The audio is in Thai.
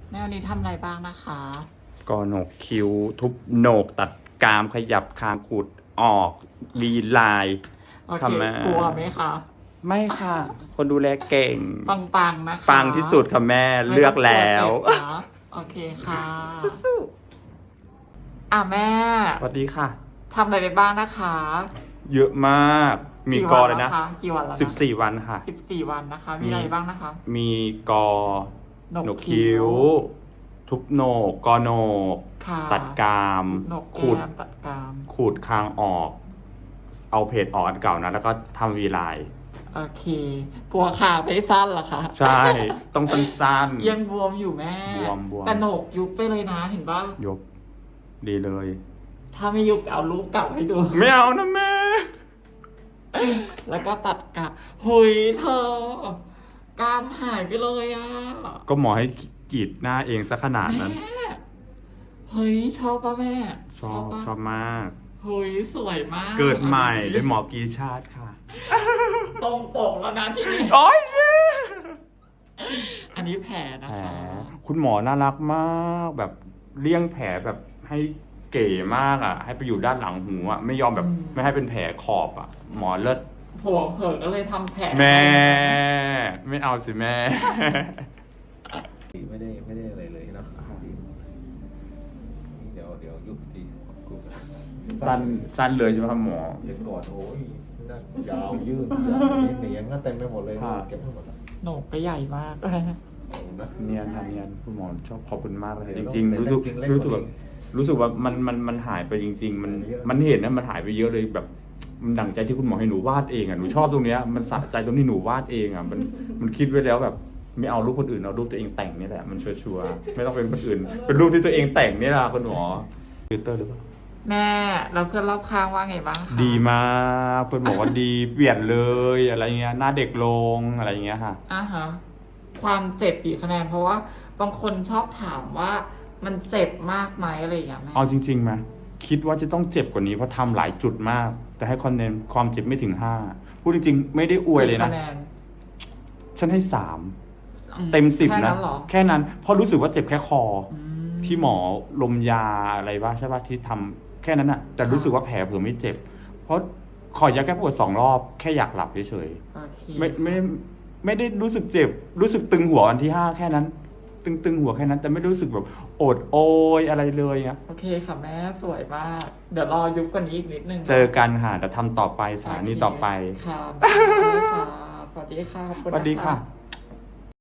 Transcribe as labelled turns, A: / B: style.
A: แนวนี้ทำอะไรบ้างนะคะ
B: ก็โหนกคิ้วทุบโหนกตัดกรามขยับคางขูดออกดีไลน์
A: โอเค
B: ค่ะแม่
A: กลัวไหมคะ
B: ไม่ค่ะ คนดูแลเก่ง
A: ปังๆนะคะ
B: ปังที่สุดค่ะแม่เลือกแล้ว
A: ไม่ต้องกลัวเจ็บนะโอเคค่ะ
B: สู้
A: แม่
B: ๆสวัสดีค่ะ
A: ทำอะไรไปบ้างนะคะ
B: เยอะมาก มีกอเลยนะ
A: กี่วันแล้วคะ
B: 14 วันค่ะ
A: 14 วันนะคะ มีอะไรบ้างนะคะ
B: มีกอ
A: โหนก
B: โหนกคิ้ว ทุบโหนกกอโหนก
A: ค่ะ
B: ตัดกราม
A: โหนก
B: ขู
A: แก้
B: ด
A: มตัดกราม
B: ขูดคางออก เอาเพจออกอันเก่านะ แล้วก็ทำวีไลน์
A: โอเค กลัวขาไม่สั้นเหรอคะ
B: ใช่ ต้องสั้นๆ
A: ยังบวมอยู่แม่
B: บวม
A: แต่โหนกยุบไปเลยนะเห็นปะ
B: ยกดีเลย
A: ถ้าไม่ยุบเอารูปเก่าให้ดู
B: ไม่เอานะแม่
A: แล้วก็ตัดกะหุยเธอกรามหายไปเลยอ่ะ
B: ก็หมอให้กรีดหน้าเองซะขนาดนั้น
A: แม่เฮ้ยชอบปะแม่
B: ชอบ
A: ปะ
B: ชอบมาก
A: เฮ้ยสวยมาก
B: เกิดใหม่ด้วยหมอกรีชาติค่ะ
A: ตรงปกแล้วนะที่นี่
B: โอ้ย
A: อันนี้แผลนะ
B: แผล
A: คะ
B: คุณหมอน่ารักมากแบบเลี่ยงแผลแบบให้เก๋มากอ่ะ ให้ไปอยู่ด้านหลังหูอ่ะไม่ยอมแบบไม่ให้เป็นแผลขอบอ่ะ หมอเลิศ
A: ผัวเผลอก็เลยทำแผล
B: แม่ ไม่เอาสิแม่
C: ไม่ได้อะไรเลยนะเดี๋ยวยุบทีกู
B: สั้นเลยใช่ไหมครับหมอ
C: เดี๋ยวก่อนโอ้ยนั่นยาวยืดเหนียงก็เต็มไปหมดเลย
B: ค่ะ
C: เก็บให้หมดละ
A: โหนกก็ใหญ่มาก
C: ขอบคุณนะ
B: เนียนค่ะเนียนคุณหมอชอบขอบคุณมากเลย
C: เดี๋
B: จ
C: ยว
B: ริง
C: แต่
B: ๆ รู้สึก
C: จริงๆเล็ก
B: รู้สึก
C: ก
B: แบ
C: ว่า
B: บ
C: นี้
B: รู้สึกว่ามันหายไปจริง ๆ มันเห็นนะมันหายไปเยอะเลยแบบมันดั่งใจที่คุณหมอให้หนูวาดเองอ่ะหนูชอบตรงเนี้ยมันสะใจตรงที่หนูวาดเองอ่ะมันคิดไว้แล้วแบบไม่เอารูปคนอื่นเอารูปตัวเองแต่งนี่แหละมันชัวร์ๆไม่ต้องเป็นคนอื่น เป็นรูปที่ตัวเองแต่งนี่แหละคุณหมอฟิลเตอร์หรือเปล่า
A: แม่แล้วเพื่อนรอบข้างว่าไงบ้างคะ
B: ดีมากเพื่อนบอกว่าดีเปลี่ยนเลยอะไรเงี้ยหน้าเด็กลงอะไรเงี้ยค่ะ
A: ฮะความเจ็บกี่คะแนนเพราะว่าบางคนชอบถามว่ามันเจ็บมากไหมอะไรอย่างเงี้ยแม่
B: เอาจริงๆไหมคิดว่าจะต้องเจ็บกว่านี้เพราะทำหลายจุดมาก แต่ให้คะแนนความเจ็บไม่ถึง5พูดจริงๆไม่ได้อวยเลย
A: กี่
B: นะ
A: คะแนน
B: ฉันให้3เต็ม10
A: แค่
B: นะ
A: เหรอ
B: แค่นั้นเพราะรู้สึกว่าเจ็บแค่คอ
A: อืม
B: ที่หมอลมยาอะไรวะใช่ป่ะที่ทำแค่นั้นอะแต่รู้สึกว่าแผลเผื่อไม่เจ็บ เพราะขอยาแก้ปวด2 รอบแค่อยากหลับเฉย
A: โอเค
B: ๆไม่ได้รู้สึกเจ็บ รู้สึกตึงหัววันที่5แค่นั้น ตึงหัวแค่นั้น แต่ไม่รู้สึกแบบโอดโอยอะไรเลยอะ
A: โอเคค่ะแม่สวยมาก เดี๋ยวรอยุบกว่านี้อีกนิดนึง
B: เจอกันค่ะแต่ทำต่อไปสถานีต่อไป
A: ค่ะค่ะสวัสดีค่ะขอบคุณ
B: สวัสดี
A: น
B: ค่ะ